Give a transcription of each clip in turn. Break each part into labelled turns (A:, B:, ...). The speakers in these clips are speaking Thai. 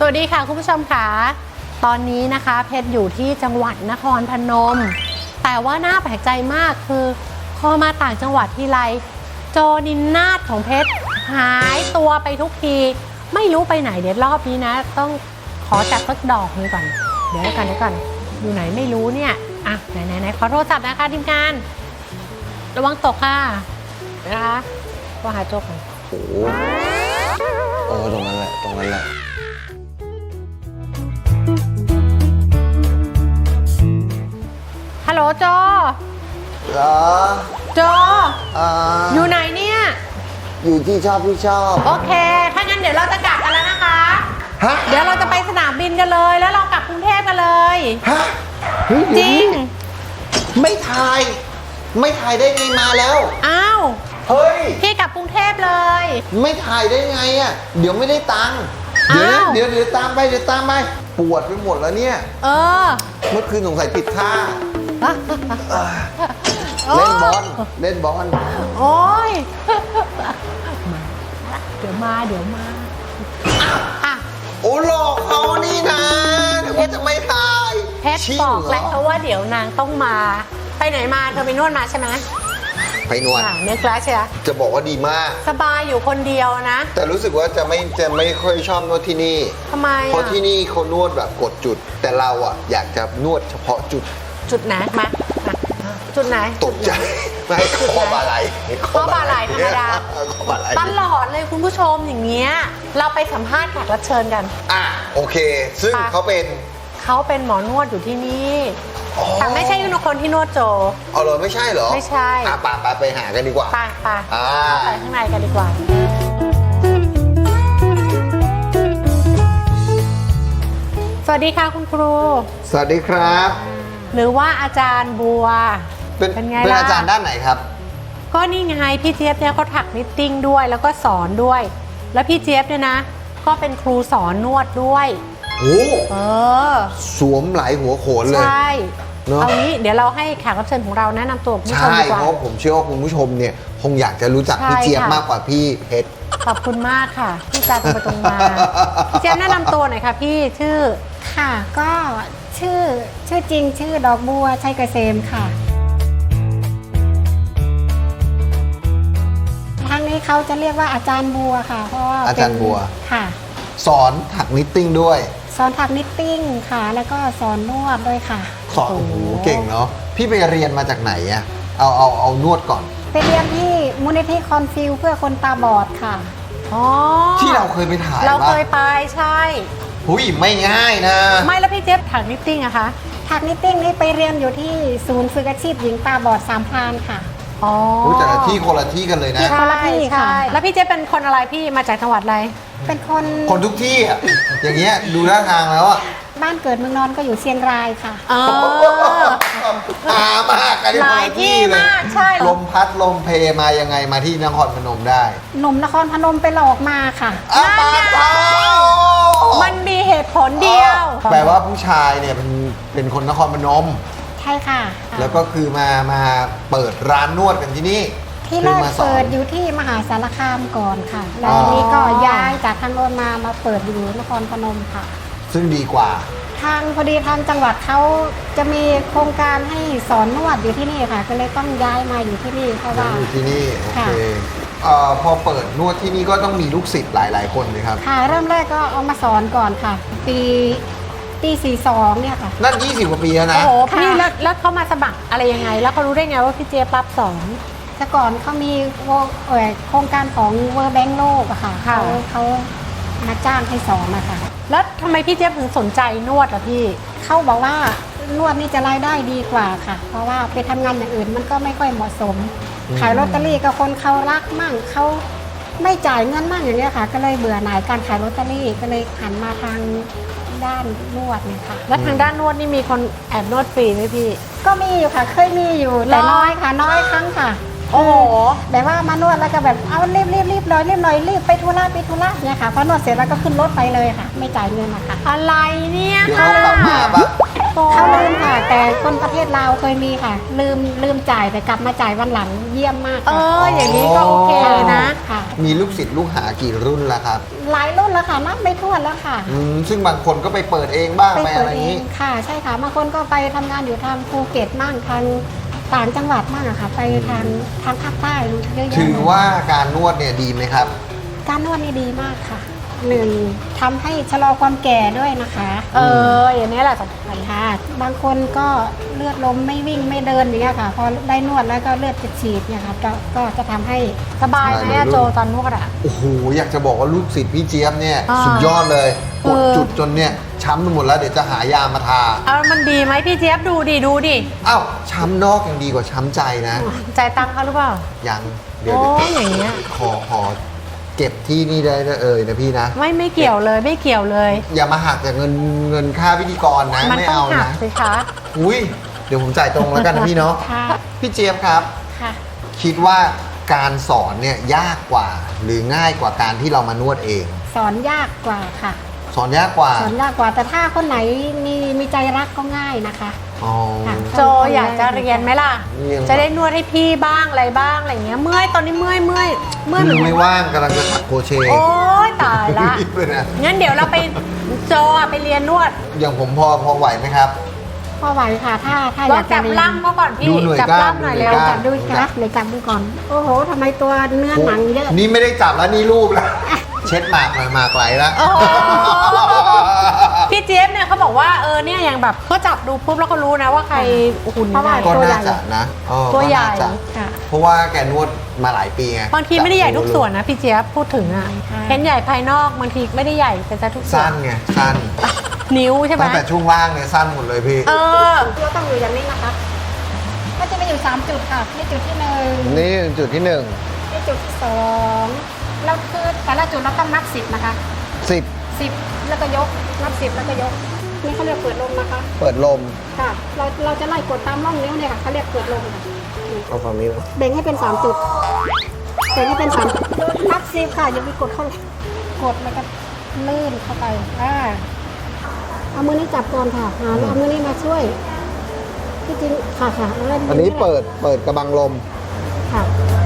A: วัสดีค่ะคุณผู้ชมค่ะตอนนี้นะคะเพชรอยู่ที่จังหวัดนครพนมแต่ว่าน่าแปลกใจมากคือพอมาต่างจังหวัดทีไรโจนินนาถของเพชรหายตัวไปทุกทีไม่รู้ไปไหนเดี๋ยวรอบนี้นะต้องขอจัดสักดอกนึงก่อนเดี๋ยวกันอยู่ไหนไม่รู้เนี่ยอ่ะไหนขอโทรศัพท์นะคะทีมงานระวังตกค่ะนะคะว่าหาโจก่อน
B: โอ้ตรงนั้นแหละ
A: ฮัลโหลโจ
B: เหรอ
A: โจอยู่ไหนเนี่ย
B: อยู่ที่ชอบ
A: โอเคถ้างั้นเดี๋ยวเราจะกลับกันแล้วนะคะ
B: ฮะ
A: เดี๋ยวเราจะไปสนามบินกันเลยแล้วเรากลับกรุงเทพกันเลย
B: ฮะ
A: จริง
B: ไม่ถ่ายได้ไงมาแล้ว
A: อ้าว
B: เฮ้ย
A: พี่กลับกรุงเทพเลย
B: ไม่ถ่ายได้ไงอ่ะเดี๋ยวไม่ได้ตังค์เดี๋ยวตามไปปวดไปหมดแล้วเนี่ยเมื่อคืนสงสัยติดท่าเล่นบอล
A: โอ้ยเดี๋ยวมาอ่ะ
B: โอ้หลอกเขานี่นะเพชรจะไม่ถ่าย
A: เพชรบอกแล้วเพราะว่าเดี๋ยวนางต้องมาไปไหนมาเธอไปนวดมาใช่ไหม
B: ไปนวด
A: เนื้อกลาใช่ไหม
B: จะบอกว่าดีมาก
A: สบายอยู่คนเดียวนะ
B: แต่รู้สึกว่าจะไม่ค่อยชอบนวดที่นี่
A: ทำไม
B: เพราะที่นี่เขานวดแบบกดจุดแต่เราอ่ะอยากจะนวดเฉพาะจุด
A: ไหนมาจุดไหน
B: ตกใจไม่ข้อบ่าไหล่
A: ธรรมดาตลอดเลยคุณผู้ชมอย่างเงี้ยเราไปสัมภาษณ์แขกรับเชิญกัน
B: โอเคซึ่งเขา
A: เป็นหมอนวดอยู่ที่นี่แต่ไม่ใช่คนที่นวดโจ
B: เอาเลยไม่ใช่เหรอ
A: ไม่ใช่
B: ไปหากันดีกว่า
A: ไปเข้าไปข้างในกันดีกว่าสวัสดีค่ะคุณครู
B: สวัสดีครับ
A: หรือว่าอาจารย์บัว
B: เป็นไงล่ะเป็นอาจารย์ด้านไหนครับ
A: ก็นี่ไงพี่เจี๊ยบเนี่ยเขาถักนิตติ้งด้วยแล้วก็สอนด้วยแล้วพี่เจี๊ยบเนี่ยนะก็เป็นครูสอนนวดด้วย
B: โอ้สวมหลายหัวโขนเลย
A: ใช่เอางี้เดี๋ยวเราให้แขกรับเชิญของเราแนะนำตัวคุณผู้ชมดีกว่า
B: เพราะผมเชื่อว่าคุณผู้ชมเนี่ยคงอยากจะรู้จักพี่เจี๊ยบมากกว่าพี่เพชร
A: ขอบคุณมากค่ะที่จะตรงมาพี่เจี๊ยบแนะนำตัวหน่อยค่ะพี่ชื่อ
C: ค่ะก็ชื่อจริงชื่อดอกบัวชัยเกษมค่ะทางนี้เขาจะเรียกว่าอาจารย์บัวค่ะเพราะว่า
B: อาจารย์บัว
C: ค่ะ
B: สอนถักนิตติ้งด้วย
C: สอนถักนิตติ้งค่ะแล้วก็สอนนวดด้วยค่ะ
B: สอนโอ้โหเก่งเนาะพี่ไปเรียนมาจากไหนอะเอานวดก่อน
C: ไปเรียนที่มูลนิธิคอนฟิวเพื่อคนตาบอดค่ะ
B: ที่เราเคยไปถ่าย
A: เราเคยไปใช่
B: หุ้ยไม่ง่ายนะ
A: ไม่แล้วพี่เจี๊ยบถักนิตติ้งอะคะ
C: ถักนิตติ้งนี่ไปเรียนอยู่ที่ศูนย์ฝึกอาชีพหญิงตาบอดสามพรานค่ะ
B: แต่ละที่คนละที่กันเลยนะ
C: คนละที่ค่ะ
A: แล้วพี่เจ๊เป็นคนอะไรพี่มาจากจังหวัดอะไร
C: เป็นคน
B: ทุกที่อ่ะอย่างเงี้ยดูท่าทางแล้วอ่ะ
C: บ้านเกิดเมืองนอนก็อยู่เชียงรายค่ะ
B: มากกัน
A: หลายที่มากใช่
B: ลมพัดลมเพมายังไงมาที่นครพนมได้
C: หนุ่มนครพนมไปหลอกมาค่ะ
A: มันมีเหตุผลเดียว
B: แปลว่าผู้ชายเนี่ยเป็นคนนครพนม
C: ใช่ค่ะ
B: แล้วก็คือมาเปิดร้านนวดกันที่นี่
C: ที่แรกเปิดอยู่ที่มหาสารคามก่อนค่ะแล้วทีนี้ก็ย้ายจากทางโน้นมาเปิดอยู่นครพนมค่ะ
B: ซึ่งดีกว่า
C: พอดีทางจังหวัดเขาจะมีโครงการให้สอนนวดอยู่ที่นี่ค่ะก็เลยต้องย้ายมาอยู่ที่นี่เพราะว่า
B: อยู่ที่นี่โอเคพอเปิดนวดที่นี่ก็ต้องมีลูกศิษย์หลายคนเลยครับ
C: ค่ะเริ่มแรกก็เอามาสอนก่อนค่ะปี42เนี่ยค่ะ
B: นั่น20 กว่าปีแล้วนะ
A: โอ้โหพี่แล้วเขามาสมัครอะไรยังไงแล้วเขารู้ได้ไงว่าพี่เจี๊ยบรับสอน
C: แต่ก่อนเขามีโครงการของเวอร์แบงค์โลกอะค่ะเขามาจ้างให้สอนนะคะ
A: แล้วทำไมพี่เจี๊ยบถึงสนใจนวดล่ะพี่
C: เขาบอกว่านวดนี่จะรายได้ดีกว่าค่ะเพราะว่าไปทำงานอย่างอื่นมันก็ไม่ค่อยเหมาะสมขายลอตเตอรี่กับคนเขารักมั่งเขาไม่จ่ายเงินมั่งอย่างเงี้ยค่ะก็เลยเบื่อหน่ายการขายลอตเตอรี่ก็เลยหันมาทางด้านนวดเนี่ยค่ะ
A: แล้วทางด้านนวดนี่มีคนแอบนวดฟรีไหมพี่
C: ก็มีอยู่ค่ะเคยมีอยู่แต่น้อยค่ะน้อยครั้งค่ะ
A: โอ้โห
C: แบบว่ามานวดแล้วก็แบบเอารีบเลยรีบไปธุระเนี่ยค่ะพอนวดเสร็จแล้วก็ขึ้นรถไปเลยค่ะไม่จ่ายเงินนะคะ
A: อะไรเนี่ย
B: ค่ะกลับมาปะ
A: โก
C: เขาลืมค่ะ แต่คนประเทศลาวเคยมีค่ะ ลืมจ่ายแต่กลับมาจ่ายวันหลังเยี่ยมมาก
A: เอ
C: ค่ะ
A: ออย่างนี้ก็โอเคนะ
C: ค่ะ
B: มีลูกศิษย์ลูกหากี่รุ่นแล้วครับ
C: หลายรุ่นแล้วค่ะนับไม่ถ้วนแล้วค่ะ
B: ซึ่งบางคนก็ไปเปิดเองบ้างไป
C: เปิ
B: อะ
C: ด
B: ไรอ
C: เอย่าง
B: นี้
C: ค่ะ ใช่ค่ะบางคนก็ไปทำงานอยู่ทางภูเก็ตมั่งทางต่างจังหวัดมั่งอะค่ะ ไปทางภาคใต้เยอะแยะ
B: ถือว่าการนวดเนี่ยดีไหมครับ
C: การนวดนี่ดีมากค่ะหนึ่งทำให้ชะลอความแก่ด้วยนะคะ
A: เอออย่างนี้แหละสำคัญ
C: ค่ะบางคนก็เลือดลมไม่วิ่งไม่เดินอย่างเงี้ยค่ะ พอได้นวดแล้วก็เลือดจะฉีดเนี่ยค่ะก็จะทำให้
A: สบายไหมอะโจตอนนวดอะ
B: โอ้โห อยากจะบอกว่าลูกศิษย์พี่เจี๊ยบเนี่ย
A: อ่า
B: สุดยอดเลย
A: เอก
B: ด
A: อ
B: จุดจนเนี่ยช้ำไปหมดแล้วเดี๋ยวจะหายามาทา
A: เอามันดีไหมพี่เจี๊ยบดูดิดูดิ
B: อ้าวช้ำนอกยังดีกว่าช้ำใจนะ
A: จ่ายตังค์เขาหรือเปล่า
B: ยังเดี๋ยว
A: โอ้ยอย่างเงี้ย
B: ขอเก็บที่นี่ได้นะพี่นะ
A: ไม่เกี่ยวเลยไม่เกี่ยวเลย
B: อย่ามาหักจากเงินค่าพิธีกรนะ
A: มัน
B: ไม่
A: ต้อง
B: เอา
A: หัก
B: นะ
A: สิคะ
B: อุ้ยเดี๋ยวผมจ่ายตรงแล้วกันนะพี่เนาะ
C: ค่ะ
B: พี่เจี๊ยบครับ
C: ค่ะ
B: คิดว่าการสอนเนี่ยยากกว่า หรือง่ายกว่าการที่เรามานวดเอง
C: สอนยากกว่าค่ะ
B: สอนยากกว่า
C: สอนยากกว่าแต่ถ้าคนไหนมีใจรักก็ง่ายนะคะ
B: อ๋อ
C: ค่ะ
A: โจอยากจะเรียนไหมล่ะ
B: เรียน
A: จะได้นวดให้พี่บ้างอะไรบ้างอะไรเงี้ยเมื่อยตอนนี้เมื่อยเหมือน
B: ไม่ว่างกำลังจะถักโครเชต์
A: โอ๊ยตายละ
B: รีบเลยนะ
A: งั้นเดี๋ยวเราไปโจอะไปเรียนนวด
B: อย่างผมพอไหวไหมครับ
C: พอไหวค่ะ ถ้า
A: ล
C: อ
A: อง
C: ยากจะ
A: จับ
C: เรียน
A: ล่ำเขาก่อนพี่
B: ดูหน่วย
A: จับ
B: กล้าม
A: ล่ำหน่อย
B: ดูหน่
A: เร็
B: ว
A: วย
B: กล้าม
C: จับดูค่ะเลยจับดูก่อน โอ้โหทำไมตัวเนื้อหนังเยอะ
B: นี่ไม่ได้จับแล้วนี่รูปแล้ว เช็ดหมากหน่อยหมากไหลแล้ว
A: โอ้โหพี่เจี๊ยบเนี่ยเขาบอกว่าเนี่ยอย่างแบบเขาจับดูปุ๊บแล้วก็รู้นะว่าใครหุ่น
C: เพราะว่า
A: ไหน
B: ก็
C: ตัวใหญ่
B: น่าจะนะก็
A: ตัวใหญ่
B: น่าจะ
C: ค่ะ
B: เพราะว่าแกนวดมาหลายปีไง
A: บางทีไม่ได้ใหญ่ทุกส่วนนะพี่เจี๊ยบพูดถึงอ่ะ
C: ค่ะ
A: เห็นใหญ่ภายนอกบางทีไม่ได้ใหญ่แต่จะทุกส่ว
B: สั้
A: น
B: นไงสั้น
A: นิ้วใช่ไหม
B: ตั้งแต่ช่วงล่างเนี่ยสั้นหมดเลยพี่
A: เออ
C: เราต้องอยู่อย่างนี้นะคะ ก็จะมีอยู่3จุดค่ะนี่จุดที่1
B: นี่จุดที่1
C: นี่จุดที่2เราคือแต่ละจุดเราต้องนับ10นะคะ
B: 10
C: 10แล้วก็ยกนับ10แล้วก็ยกนี่เขาเรียกเปิดลมนะคะ
B: เปิดลม
C: ค่ะเราจะไล่กดตามร่องนิ้วเนี่ยค่ะเขาเรียกเปิดลมค่ะ
B: เอาฝั่งนี้นะ
C: แบ่งให้เป็น3จุดแบ่งให้เป็น3จุดนับ10ค่ะอย่าไปกดเข้าเลยกดแล้วก็ลื่นเข้าไปเอามือนี้จับก่อนค่ะแล้วเอามือนี้มาช่วยที่จริงค่ะเอาเล่น
B: อันนี้เปิดกระบังลม
C: ค่ะ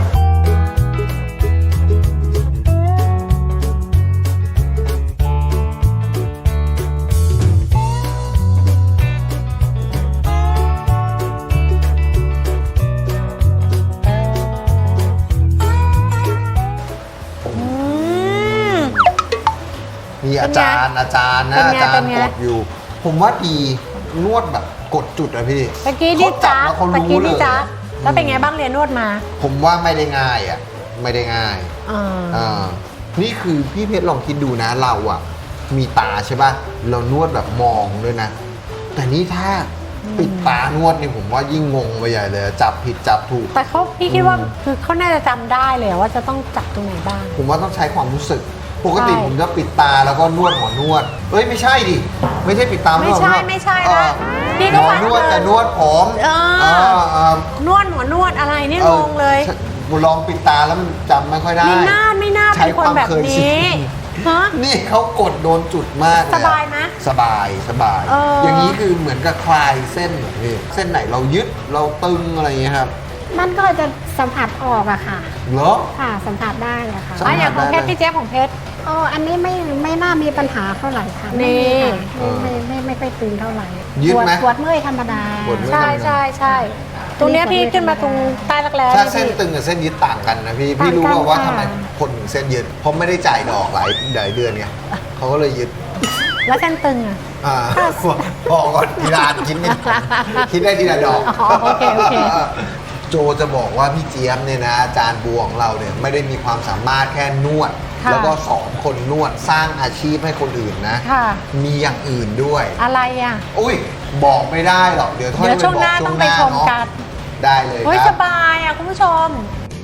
A: อืม
B: มีอาจารย์นะ
A: เป็นไง
B: อาจาร
A: เป็น
B: ย์
A: ไง
B: กดอยู่ ผมว่าดีนวดแบบกดจุดอะพี่
A: ตะกี้นี่
B: เขาจั
A: จ้า
B: บแล้วเขา
A: ตะ
B: รู้
A: กี้
B: เล
A: นี่
B: ย
A: จ้าแล้วเป็นไงบ้างเรียนนวดมา
B: ผมว่าไม่ได้ง่ายอะไม่ได้ง่าย
A: อ่า
B: อ่านี่คือพี่เพชรลองคิดดูนะเราอะมีตาใช่ป่ะเรานวดแบบมองด้วยนะ แต่นี่ถ้าปิดตานวดนี่ผมว่ายิ่งงงไปใหญ่เลยจับผิดจับถูก
A: แต่พี่คิดว่าคือเขาน่าจะจำได้เลยว่าจะต้องจับตรงไหนบ้าง
B: ผมว่าต้องใช้ความรู้สึก ปกติ
A: ใช่
B: ผมจะปิดตาแล้วก็นวดหัวนวดเอ้ยไม่ใช่ดิไม่ใช่ปิดตา
A: ไม่ใช่
B: นวด
A: ไม่ใช่
B: เอ
A: นะ
B: อ
A: พี่
B: ห
A: ก็
B: มอ
A: ว่าน
B: วดแต่นวดผม
A: เออ
B: เ
A: นวดหัวนวดอะไรนี่งงเลย
B: ลองปิดตาแล้วมันจำไม่ค่อยได้
A: ไม่น่า
B: ใช้
A: เป็นคนแบบ
B: ความเคยชิ
A: นี้
B: น
A: ฮะ
B: นี่เขากดโดนจุดมากเลยอะ
A: สบายไหม
B: สบาย
A: เอออ
B: อย่างนี้คือเหมือนกับคลายเส้นเหรอพี่เส้นไหนเรายึดเราตึงอะไรอย่างเงี้ยครับ
C: มันก็จะสัมผัสออกอะค่ะ
B: เหรอ
C: ค่ะสัมผัสได้อะค่ะ
B: สัมผัส
A: อย่างของเพชร
B: ได้
A: พี่เจ๊ของเพชร
C: อ๋ออันนี้ไม่น่ามีปัญหาเท่าไหร่ค่ะ
A: นี่
C: ไม่ค่อยตึงเท่าไหร่
B: ยืดไหม
C: ปวดเมื่อยธรรมดา
B: ปวดเมื่อย
A: ใช่ตรงเนี้ยพี่ขึ้นมาตรงใต้รักแร้
B: ถ้า
A: เนี่ย
B: เส้น
A: พี่
B: ตึงกับเส้นยึดต่างกันนะพี่
C: ต่างกัน
B: พี่รู้ป่าวว่า
C: ค่ะ
B: ทำไมคนถึงเส้นยึดเพราะไม่ได้จ่ายดอกหลายเดือนไงเขาก็เลยยึด
A: แล้วเส้นตึงอ่ะ
B: อ่าพอก่อนทีละอันคิดไม่คิดได้ทีละดอก
A: อ๋อโอเค
B: โจจะบอกว่าพี่เจี๊ยบเนี่ยนะอาจารย์บัวของเราเนี่ยไม่ได้มีความสามารถแค่นวด
A: ค่ะ
B: แล้วก็สอนคนนวดสร้างอาชีพให้คนอื่นนะ
A: ค่ะ
B: มีอย่างอื่นด้วย
A: อะไรอ่ะ
B: อุ้ยบอกไม่ได้หรอกเดี๋ยวค่อย
A: เดี๋ยวช่วงหน้า
B: ไปบก
A: ต้องไปชม
B: เนาะ
A: กัน
B: ได้เลย
A: เฮ้ย
B: ค
A: ส
B: รับ
A: บายอ่ะคุณผู้ชม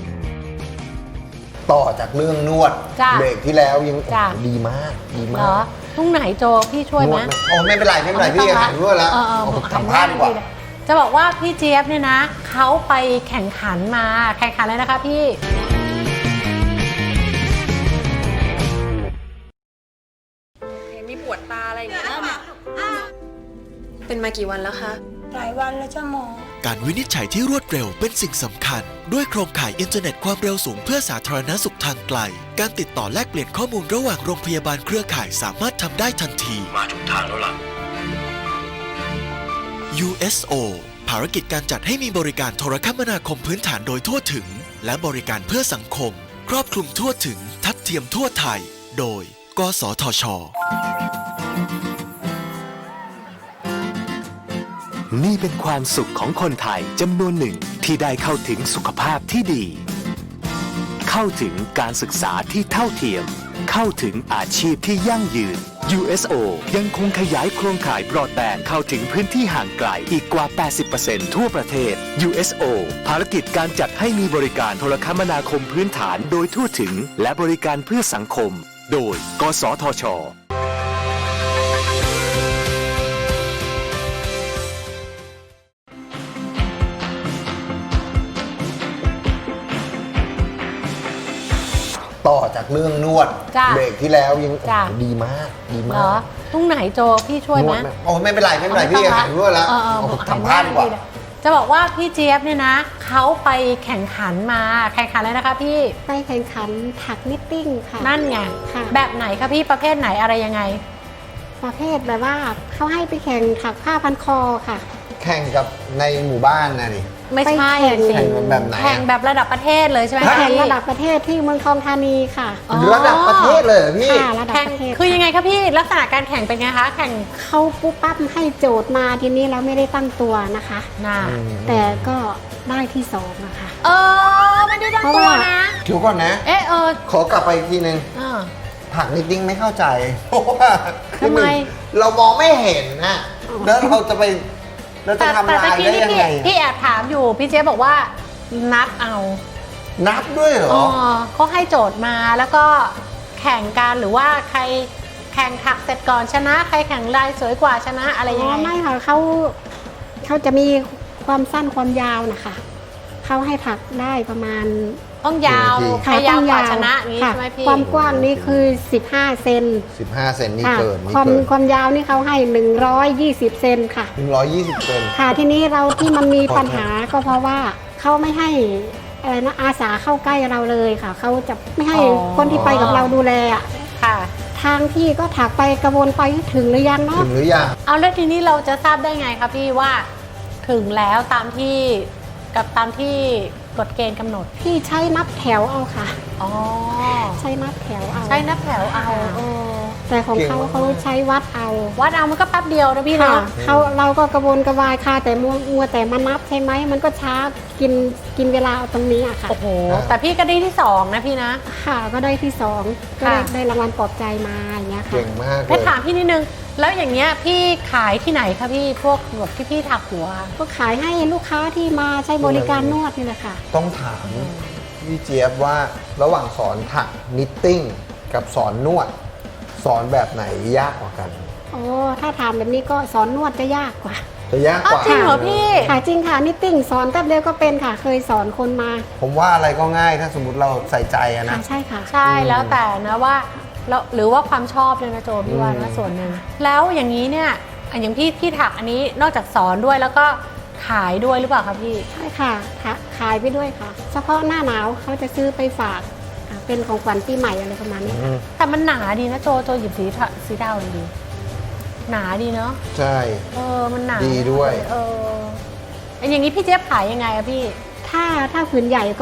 B: ต่อจากเรื่องนวด
A: จ้ะ
B: เบรกที่แล้วยัง
A: จ้ะ
B: ดีมากดี
A: เห
B: มาร
A: อก ตรงไหนโจพี่ช่วยไหม
B: นดโอ้ไม่เป็นไรไม่เป็นไรพี่หันด้วยแล้ว
A: เออ
B: สัมภาษณ์ดีกว่า
A: จะบอกว่าพี่เจี๊ยบเนี่ยนะเขาไปแข่งขันมาแข่งขันเลยนะคะพี่
D: มีปวดตาอะไรอย่างเงี้ยเป็นมากี่วันแล้วคะ
E: หลายวันแล้วจ้าหมอ
F: การวินิจฉัยที่รวดเร็วเป็นสิ่งสำคัญ ด้วยโครงข่ายอินเทอร์เน็ตความเร็วสูงเพื่อสาธารณสุขทางไกล การติดต่อแลกเปลี่ยนข้อมูลระหว่างโรงพยาบาลเครือข่ายสามารถทำได้ทันที
G: มาถูกทางแล้วล่ะ
F: USO ภารกิจการจัดให้มีบริการโทรคมนาคมพื้นฐานโดยทั่วถึง และบริการเพื่อสังคม ครอบคลุมทั่วถึง ทัดเทียมทั่วไทย โดย กสทช.
H: นี่เป็นความสุขของคนไทยจำนวนหนึ่งที่ได้เข้าถึงสุขภาพที่ดี เข้าถึงการศึกษาที่เท่าเทียม เข้าถึงอาชีพที่ยั่งยืน USO ยังคงขยายโครงข่ายบรอดแบนด์เข้าถึงพื้นที่ห่างไกลอีกกว่า 80% ทั่วประเทศ USO ภารกิจการจัดให้มีบริการโทรคมนาคมพื้นฐานโดยทั่วถึงและบริการเพื่อสังคม โดย กสทช.
B: ต่อจากเรื่องนวด
A: จ้ะ
B: เบรกที่แล้วยัง
A: จ้ะ
B: ดีมากดี
A: เหร
B: มา
A: อก ตรงไหนโจพี่ช่วยไหม
B: นดโอ้ไม่เป็นไรไม่เป็นไรพี่หายนวดแล้ว
A: เออ
B: เอา
A: หาย
B: ทำพลาดดีกว่า
A: เลยจะบอกว่าพี่เจี๊ยบเนี่ยนะเขาไปแข่งขันมาแข่งขันอะไรนะคะพี่
C: ไปแข่งขันถักนิตติ้งค่ะ
A: นั่นไง
C: ค่ะ
A: แบบไหนคะพี่ประเภทไหนอะไรยังไง
C: ประเภทแบบว่าเขาให้ไปแข่งถักผ้าพันคอค่ะ
B: แข่งกับในหมู่บ้านนะนี่
A: ไม่ใช่
C: ไปแข่ง
A: สิ
B: แข่งแบบไหนอะ
A: แข่งแบบระดับประเทศเลยใช่ไหม
C: ไปแข่ง
A: พี่
C: ระดับประเทศที่เมืองทองธานีค่ะ
A: อ๋อ
B: ระดับประเทศเลยเหรอพี่
C: ค่ะระดับ
A: แข่ง
C: ประเทศ
A: คือยังไงคะพี่ลักษณะการแข่งเป็นไงคะแข่ง
C: เขาปุ๊บปั๊บให้โจทย์มาทีนี้เราไม่ได้ตั้งตัวนะคะ
A: หน้า
C: แต่ก็ได้ที่สองอะค่ะ
A: ไม่ได้ตั้ง
C: เพราะ
A: ตัว
C: ว่า
A: นะ
B: เดี๋ยวก่อนนะ ขอกลับไปอีกทีนึง
A: เออ
B: ถักนิดดิ้งไม่เข้าใจ เพราะว่าคือ
A: ทำไม
B: หนึ่งเรามองไม่เห็นนะแล้วเราจะไปเราจะทำลาย
A: กี้
B: ได้
A: นี่
B: ยังไง
A: พี่แอบถามอยู่พี่เจ๊บอกว่านับเอา
B: นับด้วยเหรอ
A: เขาให้โจทย์มาแล้วก็แข่งกันหรือว่าใครแข่งถักเสร็จก่อนชนะ ใครแข่งลายสวยกว่าชนะอะไรยังไง
C: ไม่ค่ะเขาจะมีความสั้นความยาวนะคะเขาให้ถักได้ประมาณ
A: ต้องยาว
B: กี่นาที
A: ใครยาวกว่าชนะอย่างนี้
C: ค่ะ
A: ใช่ไหมพี่
C: ความกว้างนี่คือ 15 เซน
B: 15 เซนนี่
C: ค่ะ
B: เกินนี่
C: ความ
B: เกิน
C: ความยาวนี่เขาให้ 120 เซนค่ะ
B: 120 เซน
C: ค่ะทีนี้เราที่มันมีปัญหาก็เพราะว่าเขาไม่ให้อะไรนะอาสาเข้าใกล้เราเลยค่ะเขาจะไม่ให้คนที่ไปกับเราดูแลอะ
A: ค่ะ
C: ทางที่ก็ถักไปกระวนไปถึงหรือยังเนาะ
B: ถึงหรือยัง
A: เอาแล้วทีนี้เราจะทราบได้ไงคะพี่ว่าถึงแล้วตามที่กฎเกณฑ์กำหนด
C: พี่ใช้นับแถวเอาค่ะ
A: อ๋อ
C: ใช้นับแถวเอา
A: ใช้นับแถวเอา
C: แต่ของเขาเขาใช้วัดเอา
A: วัดเอามันก็แป๊บเดียวนะพี่
C: ค่ะ
A: เนาะ
C: เราก็กระวนกระวายค่ะแต่มัวแต่มานับใช่ไหมมันก็ช้ากินเวลาเอาตรงนี้อะค่ะ
A: โอ้โหแต่พี่ก็ได้ที่สองนะพี่นะ
C: ค่ะก็ได้ที่สองก็
A: ค่ะ
C: ได้รางวัลปลอบใจมาอย่างเงี้ยค่ะ
B: เก่งมากเล
A: เพชร
B: ย
A: ถามพี่นิดนึงแล้วอย่างเงี้ยพี่ขายที่ไหนคะพี่พวกแบบที่พี่ถักหัว
C: ก็ขายให้ลูกค้าที่มาใช้บริการนวดนี่แหละค่ะ
B: ต้องถามพี่เจี๊ยบว่าระหว่างสอนถักนิตติ้งกับสอนนวด สอนแบบไหนยากกว่ากัน
C: โอ้ถ้าถามแบบนี้ก็สอนนวดจะยากกว่า
B: จะยากกว่า
A: จริงเหรอพี่
C: ค่ะจริงค่ะนิตติ้งสอนแป๊บเดียวก็เป็นค่ะ เคยสอนคนมา
B: ผมว่าอะไรก็ง่ายถ้าสมมติเราใส่ใจอะ
C: ค่ะ
B: นะ
C: ใช่ค่ะ
A: ใช่แล้วแต่นะว่าแล้วหรือว่าความชอบเลยนะโจพี่ว่านะส่วนหนึ่งแล้วอย่างนี้เนี่ยอย่างพี่ถักอันนี้นอกจากสอนด้วยแล้วก็ขายด้วยหรือเปล่าคะพี่
C: ใช่ค่ะขายไปด้วยค่ะ เฉพาะหน้าหนาวเขาจะซื้อไปฝากเป็นของขวัญปีใหม่อะไรประมาณนี้
A: แต่มันหนาดีนะโจหยิบสีดาวเลยดีหนาดีเนาะ
B: ใช่
A: มันหนา
B: ดีด้วย
A: อย่างนี้พี่เจี๊ยบขายยังไงอะพี่
C: ถ้าผืนใหญ่ก็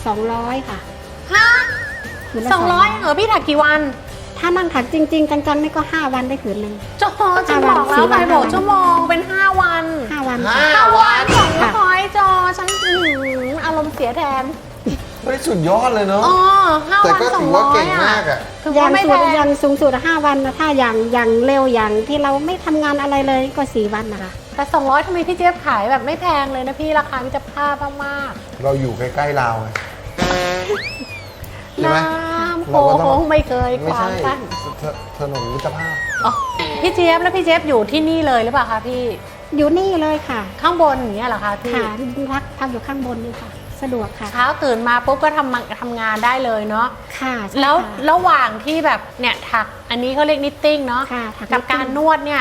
C: 200 ค่ะ
A: ฮะ
C: ผืนละ
A: 200เหรอพี่ถักกี่วัน
C: ถ้านั่งถักจริง ๆ จังๆนี่ก็ 5 วันได้ผืนหนึ่ง
A: โจฉันบอกแล้ว
C: 5 วัน
A: ใครบอกชั่วโมงเป็น5 วัน
C: 5 วัน
B: 5 วัน
A: 200โจฉันอารมณ์เสียแทน
B: เฮ้ยสุดยอดเลยเนาะ
A: 5
B: แต่
A: วัน
B: ก็ถือ
A: 200
B: ว่าเก่งมากอะ
A: คือ
C: ยั
A: ว่าง ไม่
C: สุ
A: แพ
C: ด
A: ง
C: ยังสูงสุด5 วันนะถ้าอย่างเร็วอย่างที่เราไม่ทำงานอะไรเลยก็ 4 วันนะคะ
A: แต่200ทำไมพี่เจี๊ยบขายแบบไม่แพงเลยนะพี่ราคามิตรภาพมาก
B: เราอยู่ใกล้ๆเราวไง
A: ๆ
B: ใช่ไหม
A: น้ำโข
B: เราก็ต้อง
A: งไม่เคย
B: ไม่
A: ขวา
B: ใช่
A: งกัน
B: ถนนมิตรภาพ
A: อ๋อพี่เจี๊ยบแล้วพี่เจี๊ยบอยู่ที่นี่เลยหรือเปล่าคะพี่
C: อยู่นี่เลยค่ะ
A: ข้างบนอย่างเงี้ยเหรอคะพี่
C: ค่ะพักอยู่ข้างบนนี่ค่ะ สะดวกค่ะ
A: เช้าตื่นมาปุ๊บก็ทำงานได้เลยเนาะ
C: ค่ะใช่
A: แล้ว
C: ค่ะ
A: ระหว่างที่แบบเนี่ยถักอันนี้เขาเรียกนิตติ้งเนาะ
C: ค่ะถัก
A: กับ
C: นิตติ้ง
A: การนวดเนี่ย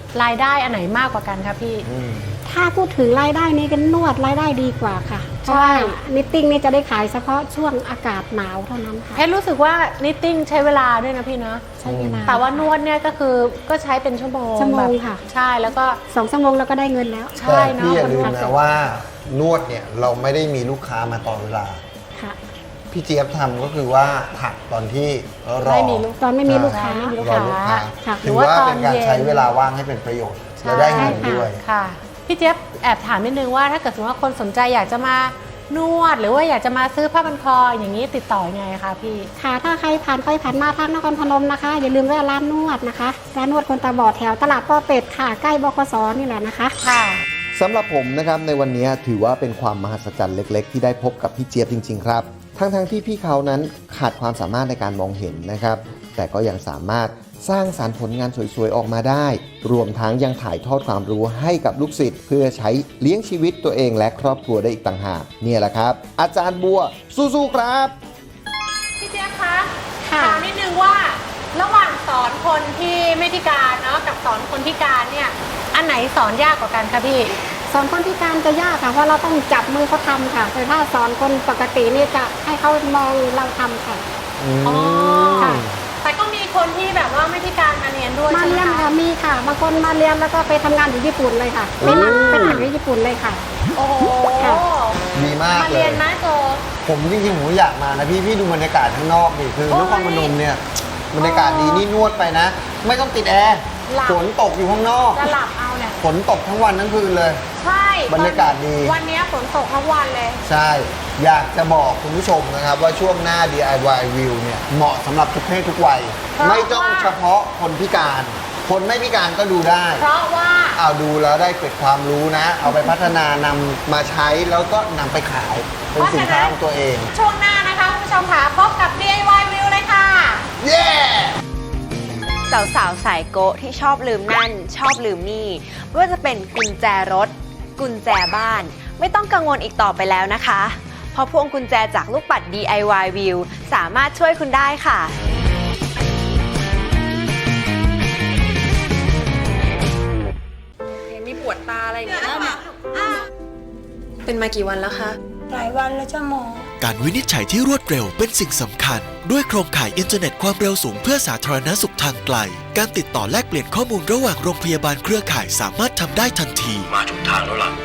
A: รายได้อันไหนมากกว่ากันคะพี่
C: ถ้าพูดถึงรายได้นี่ก็นวดรายได้ดีกว่าค่ะเพราะว่านิตติ้งนี่จะได้ขายเฉพาะช่วงอากาศหนาวเท่านั้นค่ะ
A: เพชรรู้สึกว่านิตติ้งใช้เวลาด้วยนะพี่เนาะ
C: ใช้เวลา
A: แต่ว่านวดเนี่ยก็คือก็ใช้เป็นชั่วโมง
C: ชั่วโมง
A: แบบ
C: ค่ะ
A: ใช่แล้วก็
C: 2 ชั่วโมงเราก็ได้เงินแล้ว
A: ใช่
B: แต่
A: เนาะ
B: พี่อย่าลืม
A: คนวด
B: นะว่านวดเนี่ยเราไม่ได้มีลูกค้ามาตลอดเวลา
C: ค่ะ
B: พี่เจี๊ยบทำก็คือว่าถักตอนที่รอ
A: ไม่มีลูก
C: ตอนไม่มีลูกค้า
A: ไม่มีลูก
B: รอ
A: ค้า
B: ลูกค้า
C: ค่ะ
B: ถือว่าเป็นการใช้เวลาว่างให้เป็นประโยชน์
A: ใช่
B: และได้เงินด้วย
A: ค่ะพี่เจี๊ยบแอบถามนิดนึงว่าถ้าเกิดสมมติว่าคนสนใจอยากจะมานวด หรือว่าอยากจะมาซื้อผ้าพันคออย่างนี้ติดต่อยังไงคะพี่
C: ค่ะถ้าใครผ่านไปผ่านมาทางนครพนมนะคะ อย่าลืมแวะร้านนวดนะคะร้านนวดคนตาบอดแถวตลาดป้อเป็ดค่ะใกล้บขสนี่แหละนะคะ
A: ค่ะ
B: สำหรับผมนะครับในวันนี้ถือว่าเป็นความมหัศจรรย์เล็กๆ ที่ได้พบกับพี่เจี๊ยบจริงๆครับทั้งที่พี่เขานั้นขาดความสามารถในการมองเห็นนะครับแต่ก็ยังสามารถสร้างสรรค์ผลงานสวยๆออกมาได้ รวมทั้งยังถ่ายทอดความรู้ให้กับลูกศิษย์เพื่อใช้เลี้ยงชีวิตตัวเองและครอบครัวได้อีกต่างหากเนี่ยแหละครับ อาจารย์บัวสู้ๆครับ
A: พี่เจี๊ยบคะ
C: ค่ะ
A: ถามนิดนึงว่าระหว่างสอนคนที่ไม่พิการเนาะกับสอนคนพิการเนี่ยอันไหนสอนยากกว่ากันคะพี่
C: สอนคนพิการจะยากค่ะเพราะเราต้องจับมือเขาทำค่ะแต่ถ้าสอนคนปกตินี่จะให้เขามองเราทำค่ะ
A: อ๋อ
C: ค่ะ
A: แต่ก็มีคนที่แบบว่าไม่พิการมาเรียนด้วย
C: มา
A: ใช่ไหม
C: เรียน
A: คะ
C: ค่ะมีค่ะบางคนมาเรียนแล้วก็ไปทำงานอยู่ญี่ปุ่นเลยค่ะเป็นหนังที่ญี่ปุ่นเลยค่ะ
A: โอ้โห
C: ค่ะ
B: ดีมาก
A: มา
B: เล
A: เรีย
B: ย
A: นไหมโจ
B: ผมจริงๆผมอยากมานะพี่ดูบรรยากาศข้างนอกดิคือนครพนมเนี่ยบรรยากาศดีนี่นวดไปนะ ไม่ต้องติดแอร์ฝนตกอยู่ข้างนอก
A: จะหลับเอาเนี่ย
B: ฝนตกทั้งวันทั้งคืนเลย
A: ใช่
B: บรรยากาศดี
A: วันนี้ฝนตกทั้งวันเลย
B: ใช่ อยากจะบอกคุณผู้ชมนะครับว่าช่วงหน้า DIY View เนี่ยเหมาะสำหรับทุกเพศทุกวัย
A: เพราะ
B: ไม่ต้อง
A: ว่า
B: เฉพาะคนพิการ คนไม่พิการก็ดูได้
A: เพราะว่า
B: เอาดูแล้วได้เกิดความรู้นะ เอาไปพัฒนานำมาใช้แล้วก็นำไปขายเป็นสินค้าของตัวเอง
A: ช่วงหน้านะคะคุณผู้ชมค่ะพบกับ DIY View เลยค่ะ
B: เย้
D: สาวๆสายโกะที่ชอบลืมนั่น ชอบลืมนี่ไม่ว่าจะเป็นกุญแจรถ กุญแจบ้าน ไม่ต้องกังวลอีกต่อไปแล้วนะคะ เพราะพวงกุญแจจากลูกปัด DIY View สามารถช่วยคุณได้ค่ะ
E: มีปวดตาอะไรอย่างเงี้ยเป็นมากี่วันแล้วคะ
G: หลายวันแล้วจ้าหมอ
F: การวินิจฉัยที่รวดเร็วเป็นสิ่งสำคัญ ด้วยโครงข่ายอินเทอร์เน็ตความเร็วสูงเพื่อสาธารณสุขทางไกล การติดต่อแลกเปลี่ยนข้อมูลระหว่างโรงพยาบาลเครือข่ายสามารถทำได้ทันที มาถูกทางแล้วล่ะ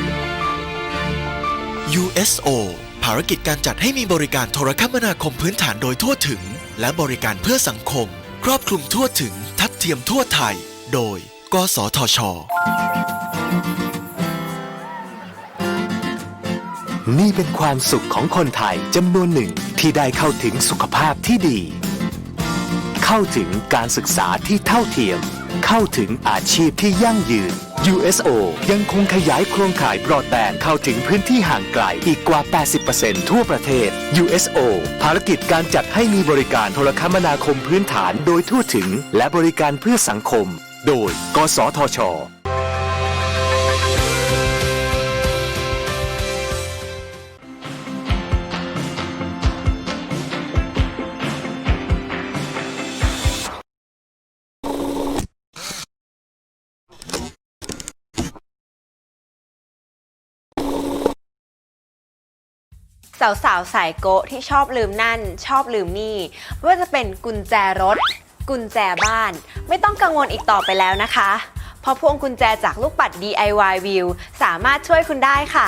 F: USO ภารกิจการจัดให้มีบริการโทรคมนาคมพื้นฐานโดยทั่วถึง และบริการเพื่อสังคม ครอบคลุมทั่วถึง ทัดเทียมทั่วไทย โดย กสทช.
H: นี่เป็นความสุขของคนไทยจำนวนหนึ่งที่ได้เข้าถึงสุขภาพที่ดี เข้าถึงการศึกษาที่เท่าเทียม เข้าถึงอาชีพที่ยั่งยืน USO ยังคงขยายโครงข่ายบรอดแบนด์เข้าถึงพื้นที่ห่างไกลอีกกว่า 80% ทั่วประเทศ USO ภารกิจการจัดให้มีบริการโทรคมนาคมพื้นฐานโดยทั่วถึงและบริการเพื่อสังคม โดย กสทช.
D: สาวๆสายโกะที่ชอบลืมนั่น ชอบลืมนี่ไม่ว่าจะเป็นกุญแจรถ กุญแจบ้าน ไม่ต้องกังวลอีกต่อไปแล้วนะคะ เพราะพวงกุญแจจากลูกปัด DIY View สามารถช่วยคุณได้ค่ะ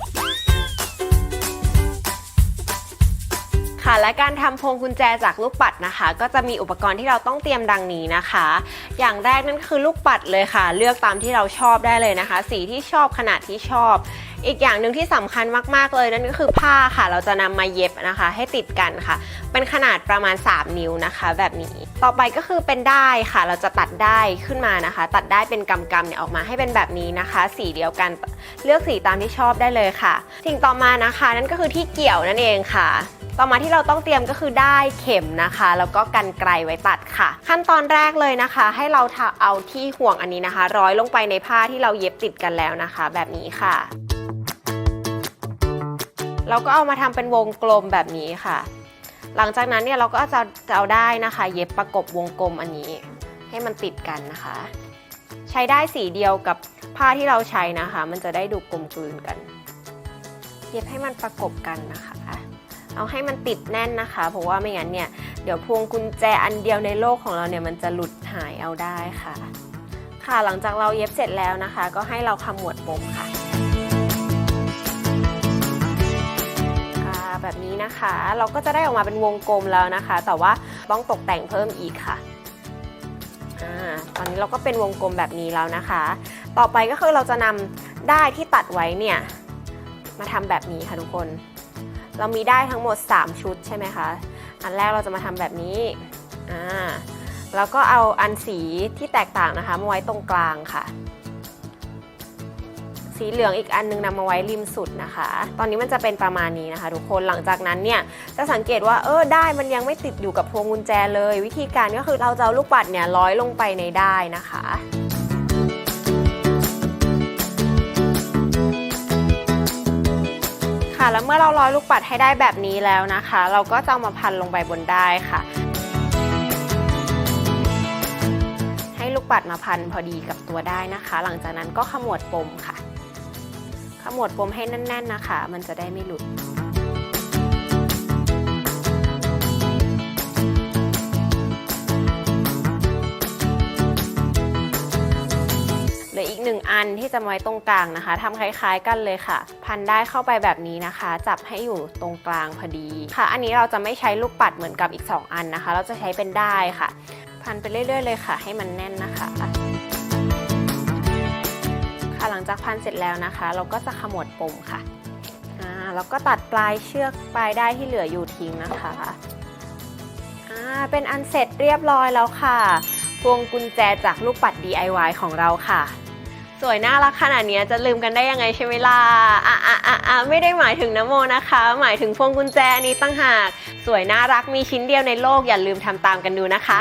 D: ค่ะและการทำพวงกุญแจจากลูกปัดนะคะ ก็จะมีอุปกรณ์ที่เราต้องเตรียมดังนี้นะคะ อย่างแรกนั่นคือลูกปัดเลยค่ะ เลือกตามที่เราชอบได้เลยนะคะ สีที่ชอบขนาดที่ชอบ อีกอย่างหนึ่งที่สำคัญมากๆเลยนั่นก็คือผ้าค่ะ เราจะนำมาเย็บนะคะ ให้ติดกันค่ะ เป็นขนาดประมาณ3 นิ้วนะคะ แบบนี้ต่อไปก็คือเป็นด้ายค่ะ เราจะตัดด้ายขึ้นมานะคะ ตัดด้ายเป็นกำๆเนี่ยออกมาให้เป็นแบบนี้นะคะ สีเดียวกันเลือกสีตามที่ชอบได้เลยค่ะสิ่งต่อมานะคะนั่นก็คือที่เกี่ยวนั่นเองค่ะ ต่อมาที่เราต้องเตรียมก็คือด้ายเข็มนะคะแล้วก็กรรไกรไว้ตัดค่ะขั้นตอนแรกเลยนะคะ ให้เราเอาที่ห่วงอันนี้นะคะ ร้อยลงไปในผ้าที่เราเย็บติดกันแล้วนะคะ แบบนี้ค่ะเราก็เอามาทำเป็นวงกลมแบบนี้ค่ะหลังจากนั้นเนี่ยเราก็จะเอาได้นะคะ เย็บประกบวงกลมอันนี้ให้มันติดกันนะคะใช้ได้สีเดียวกับผ้าที่เราใช้นะคะ มันจะได้ดูกลมกลืนกันเย็บให้มันประกบกันนะคะเอาให้มันติดแน่นนะคะ เพราะว่าไม่งั้นเนี่ยเดี๋ยวพวงกุญแจอันเดียวในโลกของเราเนี่ยมันจะหลุดหายเอาได้ค่ะค่ะหลังจากเราเย็บเสร็จแล้วนะคะ ก็ให้เราขมวดปมค่ะแบบนี้นะคะเราก็จะได้ออกมาเป็นวงกลมแล้วนะคะ แต่ว่าต้องตกแต่งเพิ่มอีกค่ะตอนนี้เราก็เป็นวงกลมแบบนี้แล้วนะคะ ต่อไปก็คือเราจะนำด้ายที่ตัดไว้เนี่ยมาทำแบบนี้ค่ะทุกคนเรามีด้ายทั้งหมด3ชุดใช่ไหมคะอันแรกเราจะมาทำแบบนี้แล้วก็เอาอันสีที่แตกต่างนะคะมาไว้ตรงกลางค่ะสีเหลืองอีกอันนึงนำมาไว้ริมสุดนะคะตอนนี้มันจะเป็นประมาณนี้นะคะทุกคนหลังจากนั้นเนี่ยจะสังเกตว่าด้ายมันยังไม่ติดอยู่กับพวงกุญแจเลยวิธีการก็คือเราจะเอาลูกปัดเนี่ยร้อยลงไปในด้ายนะคะค่ะแล้วเมื่อเราร้อยลูกปัดให้ได้แบบนี้แล้วนะคะเราก็จะเอามาพันลงไปบนด้ายค่ะให้ลูกปัดมาพันพอดีกับตัวได้นะคะหลังจากนั้นก็ขมวดปมค่ะขมวดปมให้แน่นๆนะคะมันจะได้ไม่หลุดเหลืออีก1อันที่จะไว้ตรงกลางนะคะทำคล้ายๆกันเลยค่ะพันได้เข้าไปแบบนี้นะคะจับให้อยู่ตรงกลางพอดีค่ะอันนี้เราจะไม่ใช้ลูกปัดเหมือนกับอีก2อันนะคะเราจะใช้เป็นด้ายค่ะพันไปเรื่อยๆเลยค่ะให้มันแน่นนะคะหลังจากพันเสร็จแล้วนะคะเราก็จะขมวดปมค่ะแล้วก็ตัดปลายเชือกปลายด้ายที่เหลืออยู่ทิ้งนะคะเป็นอันเสร็จเรียบร้อยแล้วค่ะพวงกุญแจจากลูกปัด DIY ของเราค่ะสวยน่ารักขนาดนี้จะลืมกันได้ยังไงใช่ไหมล่ะไม่ได้หมายถึงน้ำโมนะคะหมายถึงพวงกุญแจนี้ตั้งหากสวยน่ารักมีชิ้นเดียวในโลกอย่าลืมทำตามกันดูนะคะ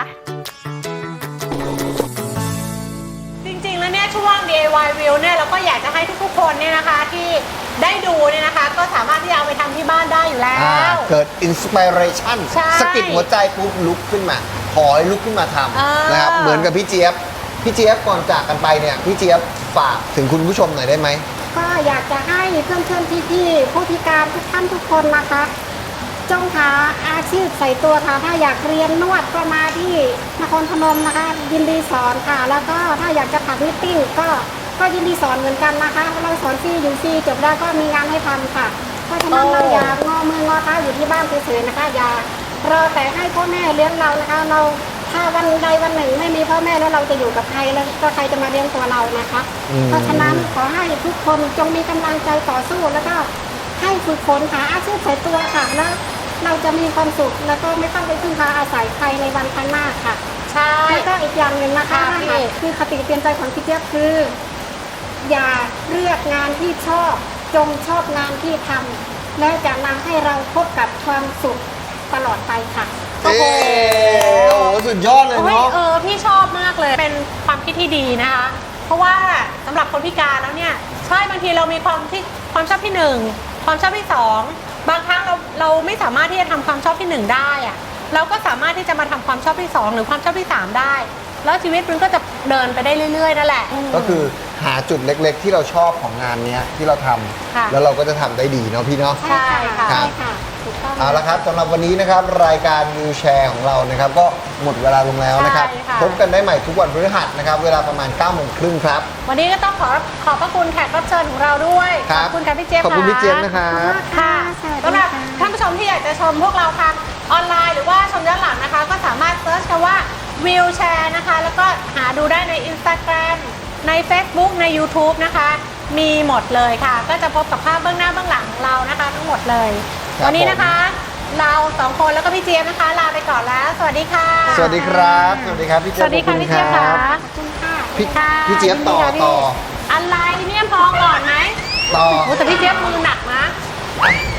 A: แล้วเนี่ยช่วง DIY View เนี่ยเราก็อยากจะให้ทุกๆคนเนี่ยนะคะที่ได้ดูเนี่ยนะคะก็สามารถที่จะเอาไปทำที่บ้านได้อยู่แล้ว
B: เกิดอินสปิเรชันสะกิดหัวใจปุ๊บลุกขึ้นมาขอให้ลุกขึ้นมาทำนะครับเหมือนกับพี่เจี๊ยบก่อนจากกันไปเนี่ยพี่เจี๊ยบฝากถึงคุณผู้ชมหน่อยได้ไหม
C: ก็อยากจะให้เพื่อนๆพี่ๆผู้พิการทุกท่านทุกคนนะคะจงหาอาชีพใส่ตัวค่ะถ้าอยากเรียนนวดก็มาที่นครพนมนะคะยินดีสอนค่ะแล้วก็ถ้าอยากจะถักนิตติ้งก็ยินดีสอนเหมือนกันนะคะเราสอนฟรีอยู่ฟรีจบได้ก็มีงานให้ทำค่ะเพราะฉะนั้นเราอย่างอมืองอเท้าอยู่ที่บ้านเฉยๆนะคะอย่ารอแต่ให้พ่อแม่เลี้ยงเรานะคะเราถ้าวันใดวันหนึ่งไม่มีพ่อแม่แล้วเราจะอยู่กับใครแล้วก็ใครจะมาเลี้ยงตัวเรานะคะเพราะฉะนั้นขอให้ทุกคนจงมีกำลังใจต่อสู้แล้วก็ให้ฝึกฝนหาอาชีพใส่ตัวค่ะแล้วเราจะมีความสุขแล้วก็ไม่ต้องไปพึ่งพาอาศัยใครในวันข้างหน้าค่ะใช่แล้วก็อีกอย่างหนึ่งนะคะคือคติเตือนใจของพี่เจี๊ยบคืออย่าเลือกงานที่ชอบจงชอบงานที่ทำแล้วจะนำให้เราพบกับความสุขตลอดไปค่ะ
B: โอ้โหสุดยอดเลยเนาะ
A: พี่ชอบมากเลยเป็นความคิดที่ดีนะคะเพราะว่าสำหรับคนพิการแล้วเนี่ยใช่บางทีเรามีความชอบที่1ความชอบที่2บางครั้งเราไม่สามารถที่จะทำความชอบที่1ได้อะเราก็สามารถที่จะมาทำความชอบที่2หรือความชอบที่3ได้แล้วชีวิตมันก็จะเดินไปได้เรื่อยๆนั่นแหละ
B: ก็คือหาจุดเล็กๆที่เราชอบของงานนี้ที่เราทำแล้วเราก็จะทำได้ดีเนาะพี่เนาะ
A: ใช่ค่ะ
B: เอาละครับสำหรับวันนี้นะครับรายการวิวแชร์ของเรานะครับก็หมดเวลาลงแล้วนะครับพบกันได้ใหม่ทุกวันพฤหัสนะครับเวลาประมาณ 9:30 ครับ
A: วันนี้ก็ต้องขอบพระคุณแขกรับเชิญของเราด้วยขอบคุณค่ะพี่เจี๊ยบ
B: ขอบคุณพี่เจี๊ยบนะครับ
A: ค่ะสำหรับท่านผู้ชมที่อยากจะชมพวกเราทางออนไลน์หรือว่าชมย้อนหลังนะคะก็สามารถเซิร์ชคำว่าวิวแชร์นะคะแล้วก็หาดูได้ใน Instagram ใน Facebook ใน YouTube นะคะมีหมดเลยค่ะก็จะพบกับภาพเบื้องหน้าเบื้องหลังของเรานะคะทั้งหมดเลยวันนี้นะคะเรา2คนแล้วก็พี่เจี๊ยบนะคะลาไปก่อนแล้วสวัสดีค่ะ
B: สวัสดีครับสวัสดีครับพี่เจี๊ยบ
A: สวัสดีค่ะพี่เจี๊ยบค่ะ
B: พี่เจี๊ยบต่อ
A: อะไรเนี่ยพอก่อนไหม
B: ต่อ
A: แต่พี่เจี๊ยบมือหนักนะ